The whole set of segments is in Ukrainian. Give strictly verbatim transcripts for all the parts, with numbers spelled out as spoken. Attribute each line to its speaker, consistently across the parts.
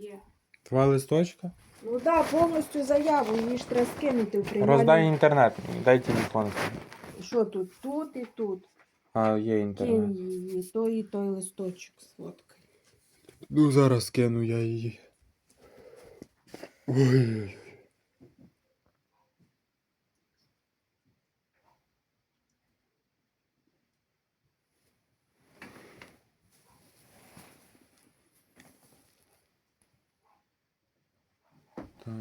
Speaker 1: Є.
Speaker 2: Два листочка?
Speaker 1: Ну так, да, повністю заяву, її ж треба скинути в приймальну.
Speaker 2: Роздай інтернет, дай телефон.
Speaker 1: Що тут? Тут і тут.
Speaker 2: А, є
Speaker 1: Кинь
Speaker 2: інтернет.
Speaker 1: її, той і той листочок сфоткай.
Speaker 2: Ну зараз кину я її. Ой-ой-ой. Так.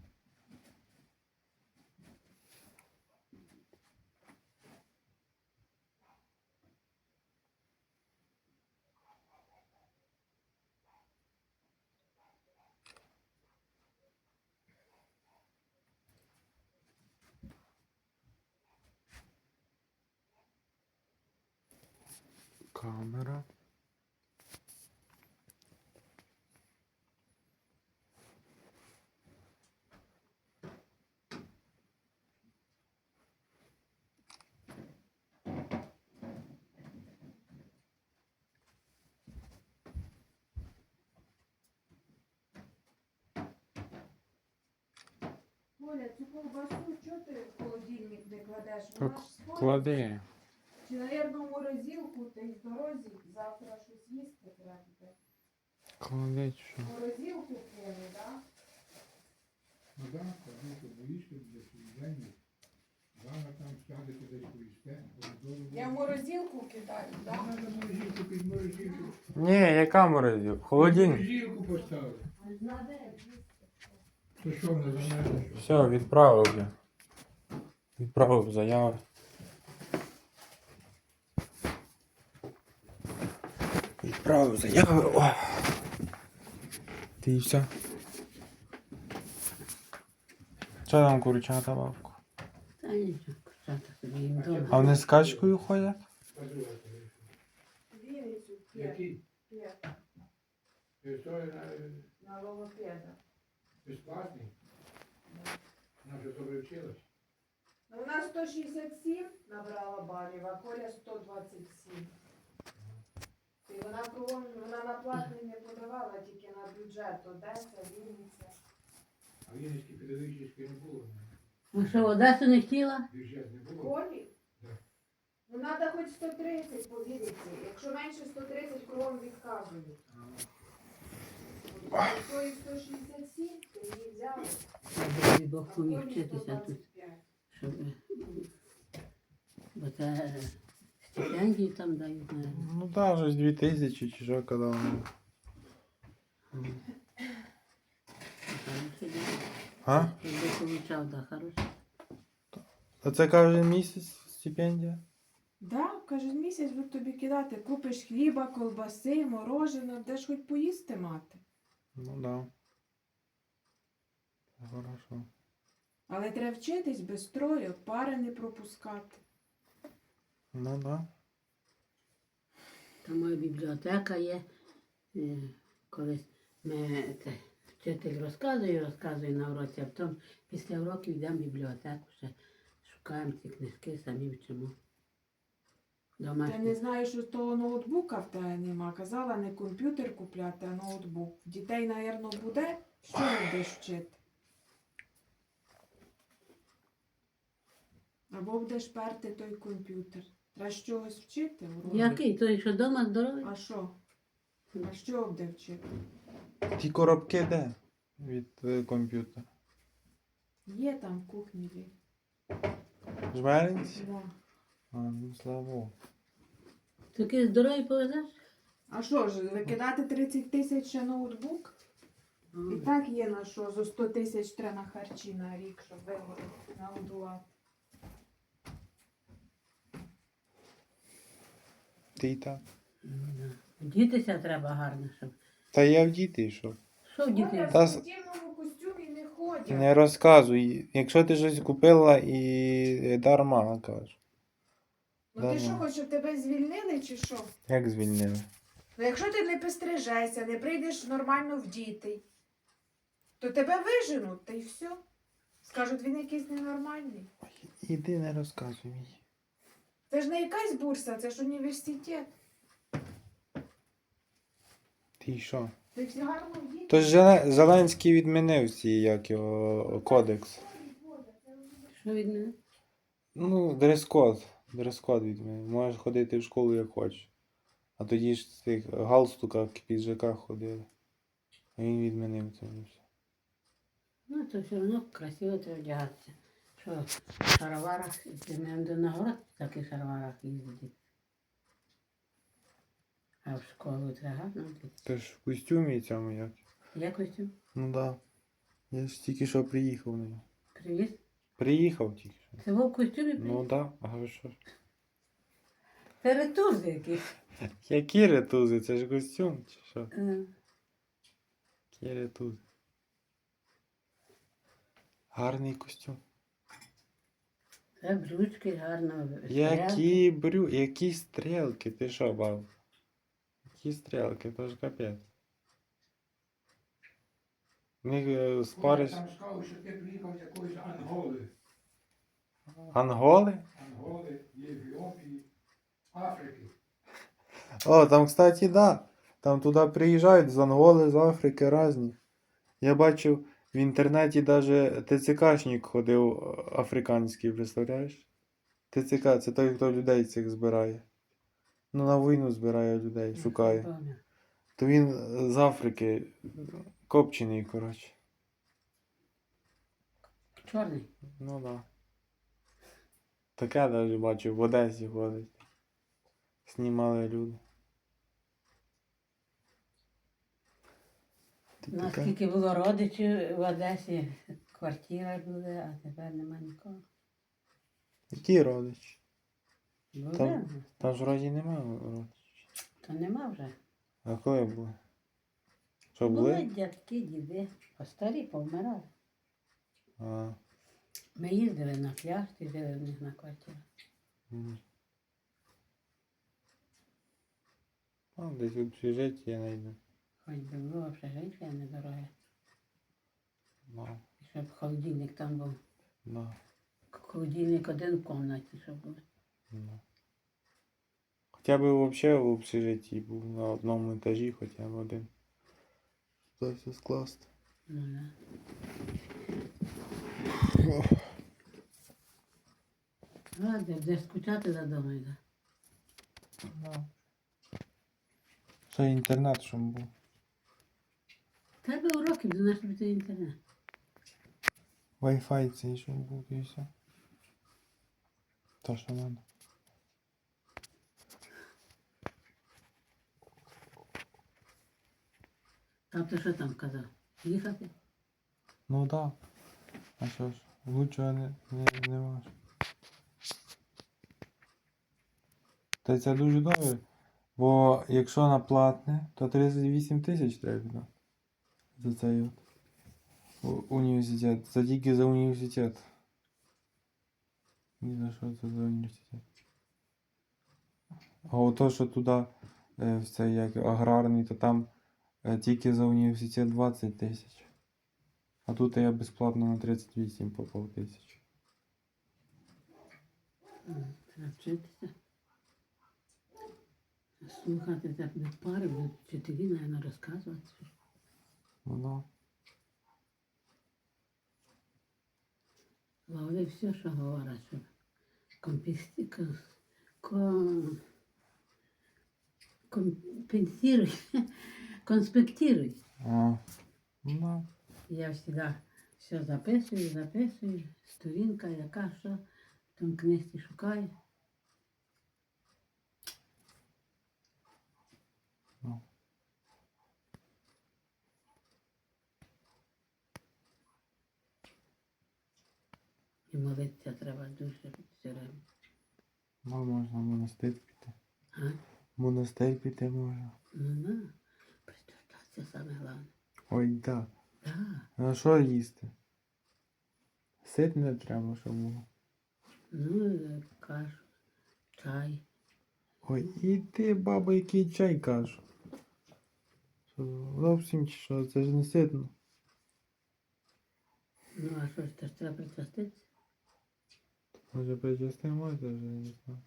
Speaker 2: Камера.
Speaker 1: Оля, цю ковбасу, чого ти в холодильник не кладеш?
Speaker 2: Так,
Speaker 1: Вона ж сходить.
Speaker 2: клади.
Speaker 1: Чи, навірно, в морозилку, ти з дорозі завтра щось їсти треба буде.
Speaker 2: Клади що?
Speaker 1: В морозилку кину, так?
Speaker 3: Ну так, клади, боїшся для свідання. Вона там сядете десь поїсте.
Speaker 1: Я в морозилку кидаю, так?
Speaker 3: Треба морозилку під морозилку.
Speaker 2: Ні, яка морозилка? Холодильник.
Speaker 3: Морозилку поставили. То що вона замерзла?
Speaker 2: Все, відправив я. Відправив заяви. Відправив заяви. О. Ти і все. Що там курчата, бабку?
Speaker 4: Та нічого, курчата собі їм дома.
Speaker 2: А вони з качкою ходять?
Speaker 1: Вінницю п'ять.
Speaker 3: Який?
Speaker 1: П'ять.
Speaker 3: Ти що, на-
Speaker 1: На логопеда.
Speaker 3: безплатний? Вона вже добре вчилась.
Speaker 1: Ну, вона сто шістдесят сім набрала балів, а Коля сто двадцять сім. І вона кругом, вона на платний не подавала, тільки на бюджет Одеса, Вінниця.
Speaker 3: А Вінницький педагогічний не було.
Speaker 4: Ну що, в Одесу не хотіла?
Speaker 3: Бюджет не було.
Speaker 1: Колі?
Speaker 3: Так.
Speaker 1: Ну, треба хоч сто тридцять по Вінниці. Якщо менше сто тридцять, кругом відказують. Якщо і сто шістдесят сім, то її взяли.
Speaker 4: Дай Бог
Speaker 1: А
Speaker 4: поміг
Speaker 1: Колі
Speaker 4: вчитися
Speaker 1: сто
Speaker 4: тут,
Speaker 1: двадцять п'ять.
Speaker 4: щоб... Бо це стипендії там дають, наверное.
Speaker 2: Ну так, вже дві тисячі чи що казали.
Speaker 4: Хороше діло.
Speaker 2: А?
Speaker 4: Якби получав, да, хороше.
Speaker 2: А це кожен місяць стипендія?
Speaker 1: Да, кожен місяць будуть тобі кидати. Купиш хліба, колбаси, мороженого, де ж хоч поїсти мати.
Speaker 2: Ну да. Хорошо.
Speaker 1: Але треба вчитись без строю, пари не пропускати.
Speaker 2: Ну да.
Speaker 4: Там моя бібліотека є. Е, Колись ми, це, вчитель розказує, розказує на уроці, а потім після уроків йдемо в бібліотеку, ще шукаємо ці книжки, самі вчимо.
Speaker 1: Я
Speaker 4: Домашні.
Speaker 1: не знаю, що того ноутбука в тебе нема. Казала не комп'ютер купляти, а ноутбук. Дітей, напевно, буде. Що не будеш вчити? Або будеш перти той комп'ютер. Треба з чогось вчити. уроки.
Speaker 4: Який? Той, що вдома здоровий?
Speaker 1: А що? А що буде вчити?
Speaker 2: Ті коробки де? Від е, комп'ютера.
Speaker 1: Є там в кухні. є.
Speaker 2: Жмеринці?
Speaker 1: Да.
Speaker 2: А, ну слава Богу.
Speaker 4: Такий здоровий повезеш?
Speaker 1: А що ж, викидати тридцять тисяч ще ноутбук? І так є на що, за сто тисяч треба на харчі на рік, щоб вигодити, нагодувати.
Speaker 2: Ти й так.
Speaker 4: Дітися треба гарно, щоб.
Speaker 2: Та я в діти йшов.
Speaker 4: Що в
Speaker 1: Оля
Speaker 4: дітей?
Speaker 1: в
Speaker 2: Та с-
Speaker 1: спортивному костюмі не ходять.
Speaker 2: Не розказуй. Якщо ти щось купила і дарма, кажеш.
Speaker 1: Ну ти
Speaker 2: Дарма.
Speaker 1: що, хочеш, щоб тебе звільнили чи що?
Speaker 2: Як звільнили?
Speaker 1: Ну якщо ти не пострижешся, не прийдеш нормально в діти, то тебе виженуть, та й все. Скажуть, він якийсь ненормальний.
Speaker 2: Іди не розказуй мені.
Speaker 1: Це ж не якась бурса, це ж університет.
Speaker 2: Ти що?
Speaker 1: Ти всі гарно вдіти?
Speaker 2: То ж Зеле- Зеленський відмінив ці, як його, кодекс.
Speaker 4: Що від мене?
Speaker 2: Ну, дрес-код. Дрес-код відмінив. Можеш ходити в школу як хочеш. А тоді ж в цих галстуках, піджаках ходили. А він відмінив це все.
Speaker 4: Ну, то все одно красиво треба вдягатися. Що в шароварах, ти не до нагород в таких шароварах їздити. А в школу треба гарно вдягатися.
Speaker 2: Ти ж в костюмі цьому як?
Speaker 4: Я костюм
Speaker 2: Ну да. Я ж тільки що приїхав на нього.
Speaker 4: привіз.
Speaker 2: Приїхав тільки що.
Speaker 4: Це був в костюмі
Speaker 2: Ну
Speaker 4: привіз?
Speaker 2: да, а ви що ж?
Speaker 4: Це ретузи якісь.
Speaker 2: Які ретузи? Це ж костюм чи що?
Speaker 4: Е,
Speaker 2: Які ретузи? Гарний костюм.
Speaker 4: Це брючки гарно. стрелки.
Speaker 2: Які брю... Які стрілки? Ти що, баб? Які стрілки? То ж капець. В них е, спариш...
Speaker 3: Там сказали, що ти приїхав з якоїсь Анголи.
Speaker 2: Анголи?
Speaker 3: Анголи, Європі, Африки.
Speaker 2: О, там, кстати, да. Там туди приїжджають з Анголи, з Африки різні. Я бачив в інтернеті даже ТЦКшник ходив е, африканський, представляєш? ТЦК це той, хто людей цих збирає. Ну, на війну збирає людей, шукає.
Speaker 4: Помню.
Speaker 2: То він з Африки копчений, коротше.
Speaker 4: Чорний.
Speaker 2: Ну да. Таке навіть бачив, в Одесі ходить. Знімали люди. Ти
Speaker 4: У нас
Speaker 2: таке?
Speaker 4: скільки було родичів в Одесі, квартира були, а тепер нема нікого.
Speaker 2: Які родичі?
Speaker 4: Були?
Speaker 2: Там- Там ж вроді немає родичів.
Speaker 4: То нема вже.
Speaker 2: А коли були? Що
Speaker 4: Були
Speaker 2: були?
Speaker 4: дядьки, діди, а старі повмирали.
Speaker 2: А,
Speaker 4: Ми їздили на пляж, і жили в них на квартирі.
Speaker 2: м. А, десь в общежитті я знайду.
Speaker 4: Хоч би було общежиття недороге.
Speaker 2: Да,
Speaker 4: І щоб холодильник там був.
Speaker 2: да,
Speaker 4: Холодильник один в кімнаті, щоб був.
Speaker 2: да. Хоча б взагалі в общежитті був на одному етажі, хоча б один. Це все скласти.
Speaker 4: Ну, да. Ладно, де скучати за домою, да.
Speaker 2: Да. Ще інтернет, щоб був.
Speaker 4: В Тебе уроки, до нас тобі інтернет.
Speaker 2: Wi-Fi цей, щоб був і все. То, що надо.
Speaker 4: Тато що там казав? Їхати?
Speaker 2: Ну да. А що ж, лучшого не, не, не можеш. Та це дуже добре. Бо якщо на платне, то тридцять вісім тисяч треба віддати. За цей от у- університет. Це тільки за університет. Ні за що це за університет. А ото, що туди, е, в цей як аграрний, то там е, тільки за університет двадцять тисяч. А тут я безплатно на тридцять вісім попав тисяч.
Speaker 4: М, Треба вчитися. Слухати так не пари, будуть вчителі, наверное, розказувати.
Speaker 2: Ну да.
Speaker 4: Ловли все, що говорять, що компенсі... кон- кон- компенсируй, конспектируй.
Speaker 2: А, ну да.
Speaker 4: Я завжди все записую, записую, сторінка, яка що, в тому книжці шукаю.
Speaker 2: Ну.
Speaker 4: І молитися треба дуже все время.
Speaker 2: Ну, можна в монастир піти.
Speaker 4: А?
Speaker 2: В монастир піти можна.
Speaker 4: Ну, да. Пристраждатися саме головне.
Speaker 2: Ой, да.
Speaker 4: Да.
Speaker 2: А що їсти? Сит не треба, щоб було.
Speaker 4: Ну, е, кашу, чай.
Speaker 2: Ой, і ти, баба, який чай кажу. Що, зовсім чи що, це ж не ситно.
Speaker 4: Ну, а що ж, теж треба причаститися?
Speaker 2: Може причасти можна, вже не знаю.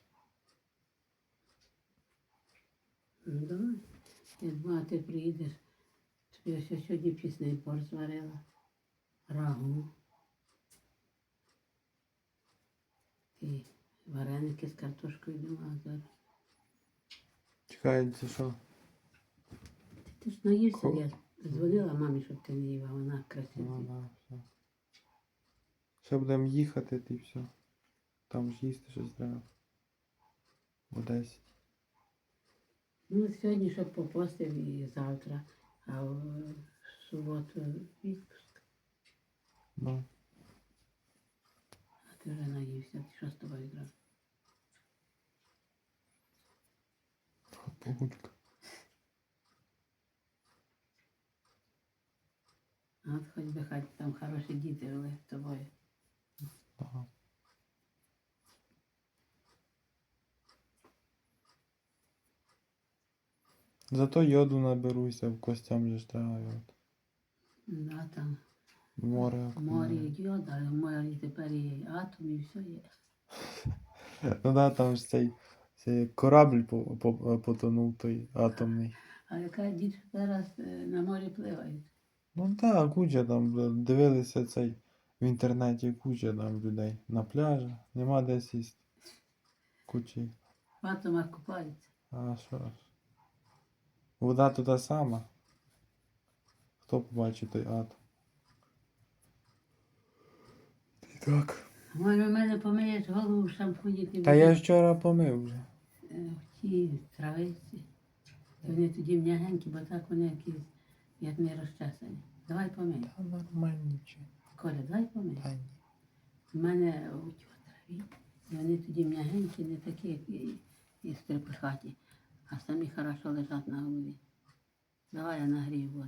Speaker 4: Ну, давай. Я думаю, ти приїдеш Я ще сьогодні пісний борщ зварила. Рагу. І вареники з картошкою думала зараз.
Speaker 2: Чекай, це що?
Speaker 4: Ти ж наївся,
Speaker 2: Ко-
Speaker 4: я дзвонила мамі, щоб ти не їв, а вона
Speaker 2: Ну,
Speaker 4: красива.
Speaker 2: да, все. Ще будемо їхати, ти все. Там ж їсти щось треба. О десять.
Speaker 4: Ну, сьогодні, щоб попостив і завтра, а в суботу відпуск.
Speaker 2: Ну.
Speaker 4: А ти вже наївся, ти що з тобою зробив?
Speaker 2: Погулька.
Speaker 4: А от хоч би хай там хороші діти жили з тобою.
Speaker 2: Ага. Зато йоду наберуся, в костям же ж треба йод.
Speaker 4: Да, там
Speaker 2: Море.
Speaker 4: море йод, а в морі тепер і атом, і все є.
Speaker 2: Ну да, там ж цей, цей корабль по, по, потонув той атомний.
Speaker 4: А яка діти зараз е, на морі пливають?
Speaker 2: Ну так, куча там бля, дивилися цей в інтернеті, куча там людей на пляжі, нема де сісти. Кучі.
Speaker 4: В атомах купаються.
Speaker 2: А що ж? Вода то та сама. Хто побачить той атом? І так.
Speaker 4: А може в мене помиєш голову в шампуні? ти
Speaker 2: Та я
Speaker 4: будеш,
Speaker 2: ж вчора помив вже.
Speaker 4: е, в тій травиці. І вони тоді м'ягенькі, бо так вони якісь, як не розчесані. Давай помий.
Speaker 2: Та нормально чи.
Speaker 4: Коля, давай помий.
Speaker 2: Та ні.
Speaker 4: У мене у тій траві, і вони тоді м'ягенькі, не такі, як і, і стрепихаті, а самі хорошо лежать на голові. Давай я нагрію воду.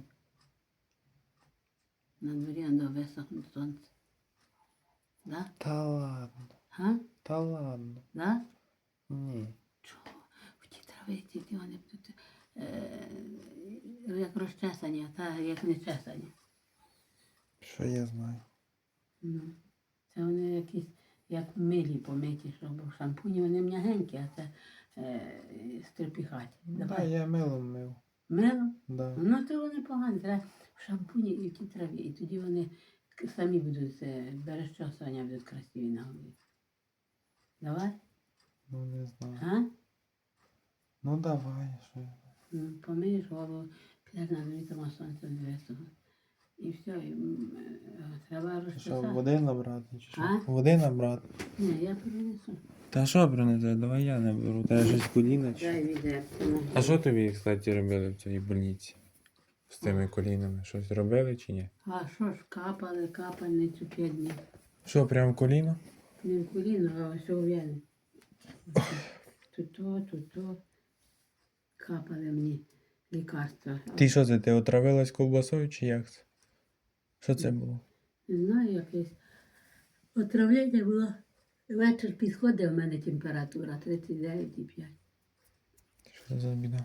Speaker 4: На дворі до висохне сонце. Да?
Speaker 2: Та ладно.
Speaker 4: Га?
Speaker 2: Та ладно.
Speaker 4: Да?
Speaker 2: Ні.
Speaker 4: Чого? В тій травиці ті вони будуть е, як розчесані, а та як не чесані.
Speaker 2: Що я знаю?
Speaker 4: Ну, це вони якісь, як милі помиті, щоб в шампуні вони м'ягенькі, а це е, стрепіхаті.
Speaker 2: Да,
Speaker 4: Давай.
Speaker 2: я милом мив.
Speaker 4: Мило?
Speaker 2: Да.
Speaker 4: Ну, то вони погані. Треба в шампуні і в тій траві. І тоді вони к- самі будуть, е, бережчосування будуть красиві на голові. Давай?
Speaker 2: Ну не знаю.
Speaker 4: А?
Speaker 2: Ну давай, що я.
Speaker 4: Ну, помиєш голову, підеш на дворі, тому сонце не висохне. І все, і, м, е, треба
Speaker 2: Що,
Speaker 4: розчесати.
Speaker 2: води набрати чи що?
Speaker 4: А?
Speaker 2: Води набрати.
Speaker 4: Ні, я принесу.
Speaker 2: Та що принесе? Давай я наберу. Та я щось коліна чи.
Speaker 4: Дай відерце.
Speaker 2: А що тобі, кстати, робили в цій больниці? З тими колінами? Щось робили чи ні?
Speaker 4: А що ж, капали, капальницю п'ять днів.
Speaker 2: Що, прям коліно?
Speaker 4: Не в коліно, а ось у вени. Тут то, тут то. Капали мені лікарства.
Speaker 2: Ти що це, ти отравилась ковбасою чи як це? Що це було?
Speaker 4: Не знаю, якесь отравлення було. Вечір підходить, у мене температура тридцять дев'ять і п'ять.
Speaker 2: Що за біда?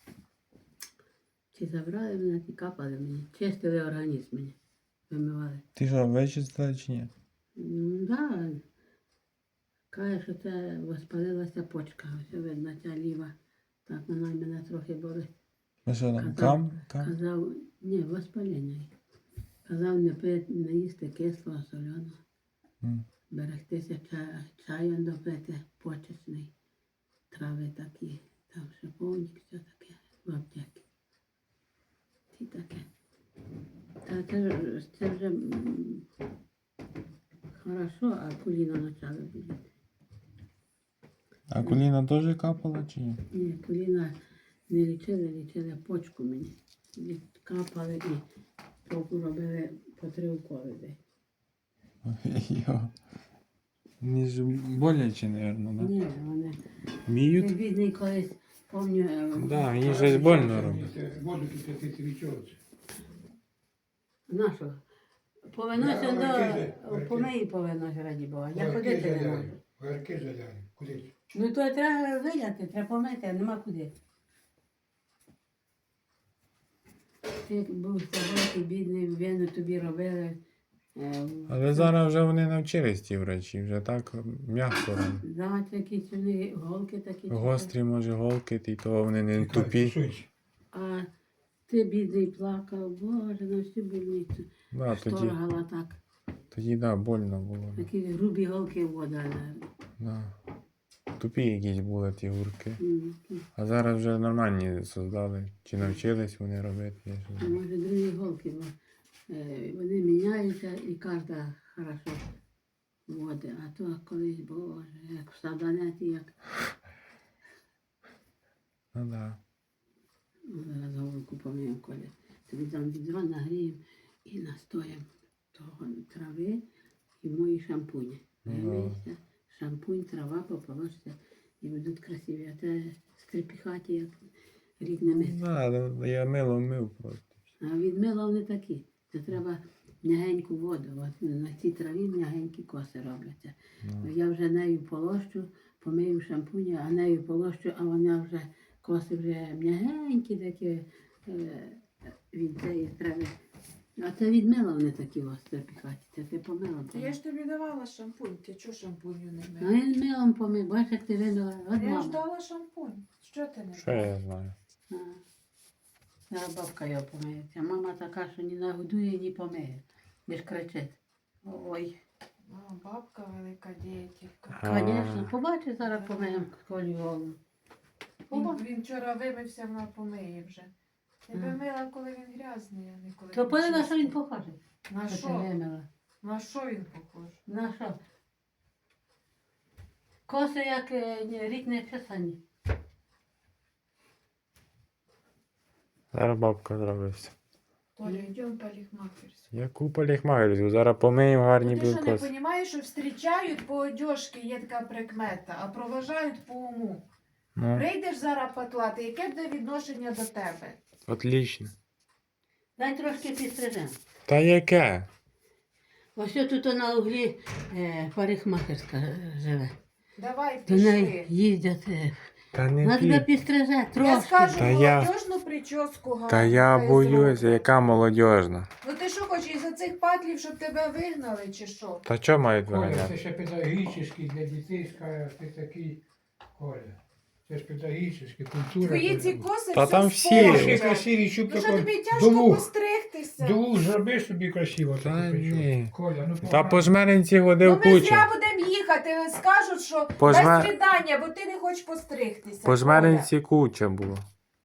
Speaker 4: Ті забрали мене, ті капали мені. Чистили організм мені. Вимивали.
Speaker 2: Ти що, вичистила чи ні?
Speaker 4: Ну, да. Каже, що це воспалилася почка. Ось видно, ця ліва. Так, вона й мене трохи болить.
Speaker 2: А що там,
Speaker 4: Казав-
Speaker 2: кам? Кам?
Speaker 4: Казав, ні, воспалення. є. Казав не пити, не їсти кислого, соляного.
Speaker 2: М.
Speaker 4: Берегтися ча- чаєм допити, почечний. Трави такі, там шиповник, все таке, в аптеки. І таке. Та це, ж- це вже м, хорошо, а коліна почали боліти.
Speaker 2: А коліна теж капала чи ні?
Speaker 4: Ні, коліна не лічили, лічили почку мені. Лі- Капали і поку робили по три уколи десь.
Speaker 2: Йо. Мені ж боляче, мабуть, да?
Speaker 4: Ні, вони.
Speaker 2: Міють?
Speaker 4: Він бідний колись, пам'ятаю.
Speaker 2: Да, мені щось больно робить.
Speaker 3: Воду тут ти свічовці.
Speaker 4: Нащо? Повиносся
Speaker 3: Я
Speaker 4: до
Speaker 3: Маркізи, Маркізи.
Speaker 4: помиї повиносся, раді Бога. Я ходити не можу.
Speaker 3: Гарки заляли. Куди?
Speaker 4: Ну то треба виляти, треба помити, а нема куди. Ти був собою, бідний, вену тобі робили. е,
Speaker 2: Але зараз вже вони навчились ті врачі, вже так м'яко роблять.
Speaker 4: Давати якісь вони голки такі. чи
Speaker 2: Гострі, може, голки, і того вони не тупі.
Speaker 4: що. А Ти бідний плакав, Боже, на всю больницю.
Speaker 2: Да, тоді,
Speaker 4: Шторгала так.
Speaker 2: тоді да, больно було.
Speaker 4: Такі грубі голки вода.
Speaker 2: Да. Тупі якісь були ті гурки.
Speaker 4: М,
Speaker 2: А зараз вже нормальні создали. Чи навчились вони робити? Я ж не
Speaker 4: а
Speaker 2: знаю.
Speaker 4: Може, другі голки, бо е, вони міняються і кожна хорошо води. А то колись, Боже, як в саданеті, як
Speaker 2: Ну да.
Speaker 4: ну, зараз голку помиємо, коли тобі дам відро, нагріємо і настоїмо того трави і мої шампуні.
Speaker 2: Ну,
Speaker 4: Вимийся, шампунь, трава поположся і будуть красиві. А те стрепіхаті, як рідними.
Speaker 2: Да, ну, я мило мив просто.
Speaker 4: А від мила вони такі. Це треба м'ягеньку воду. От на цій траві м'ягенькі коси робляться.
Speaker 2: Ну.
Speaker 4: Я вже нею полощу, помию шампуні, а нею полощу, а вона вже коси вже м'ягенькі такі е, від цієї трави. А це від мила вони такі ось стрепіхаті. Це ти помила.
Speaker 1: Та я ж тобі давала шампунь, ти чого шампуню не
Speaker 4: А
Speaker 1: мила?
Speaker 4: він милом помив, бачиш, як ти вимила. От
Speaker 1: Я ж
Speaker 4: мама.
Speaker 1: дала шампунь. Що ти не
Speaker 2: Що я знаю?
Speaker 4: А. Зараз бабка його помиється. Мама така, що ні нагодує, ні помиє. Лиш кричить. Ой.
Speaker 1: А, бабка велика діятелька.
Speaker 2: А.
Speaker 4: Звісно, побачиш, зараз помиємо колі голову.
Speaker 1: Він, він вчора вимився, вона помиє вже. Тебе
Speaker 4: Ага.
Speaker 1: мила, коли він грязний, а не коли
Speaker 4: То
Speaker 1: він
Speaker 4: подивись, що він
Speaker 1: чистий.
Speaker 4: похожий.
Speaker 1: На
Speaker 4: Що ти
Speaker 1: що?
Speaker 4: вимила?
Speaker 1: На що він похож?
Speaker 4: На що? Коси, як е, ні, рік не чесані.
Speaker 2: Зараз бабка зробився.
Speaker 1: Толя, йдемо парикмахерську.
Speaker 2: Яку поліхмагерську? Зараз помиємо гарні
Speaker 1: Ну, ти що не
Speaker 2: білкоси.
Speaker 1: розумієш, що зустрічають по одежці, є така прикмета, а проважають по уму.
Speaker 2: Ну,
Speaker 1: Прийдеш зараз патлати, яке буде відношення до тебе?
Speaker 2: отлично.
Speaker 4: Дай трошки підстрижемо.
Speaker 2: Та яке?
Speaker 4: Ось тут на углі е, парикмахерська е, живе.
Speaker 1: Давай
Speaker 4: До неї
Speaker 1: пішли.
Speaker 4: їздять. Е,
Speaker 2: Та не
Speaker 4: вона тебе
Speaker 2: пі.
Speaker 4: підстриже
Speaker 1: Я
Speaker 4: трошки.
Speaker 1: скажу
Speaker 2: Та я-
Speaker 1: молодіжну прическу гарну.
Speaker 2: Та я
Speaker 1: хай
Speaker 2: боюся,
Speaker 1: зроблять.
Speaker 2: яка молодіжна.
Speaker 1: Ну ти що хочеш, із-за цих патлів, щоб тебе вигнали, чи що?
Speaker 2: Та що мають
Speaker 3: Коля,
Speaker 2: виганяти?
Speaker 3: це ще педагогічний для дітей, скаже, ти такий, Коля. Це ж педагогічний, культура.
Speaker 1: Твої
Speaker 3: Коля.
Speaker 1: ці коси
Speaker 2: Та
Speaker 1: все
Speaker 2: там всі.
Speaker 3: Ще
Speaker 1: спортять.
Speaker 3: красиві, щоб
Speaker 1: Ну що
Speaker 3: тако
Speaker 1: тобі тяжко
Speaker 3: до вух,
Speaker 1: постригтися?
Speaker 3: до вух зроби собі красиво.
Speaker 2: Та
Speaker 3: таку прическу.
Speaker 2: ні.
Speaker 3: Коля, ну
Speaker 2: Та
Speaker 3: погано.
Speaker 2: по жменинці
Speaker 1: Ну
Speaker 2: ходив
Speaker 1: ми
Speaker 2: куча.
Speaker 1: зря будемо їхати, скажуть, що
Speaker 2: По
Speaker 1: без
Speaker 2: жме-
Speaker 1: свидання, бо ти не хочеш постригтися.
Speaker 2: По
Speaker 1: Коля.
Speaker 2: жменинці куча було.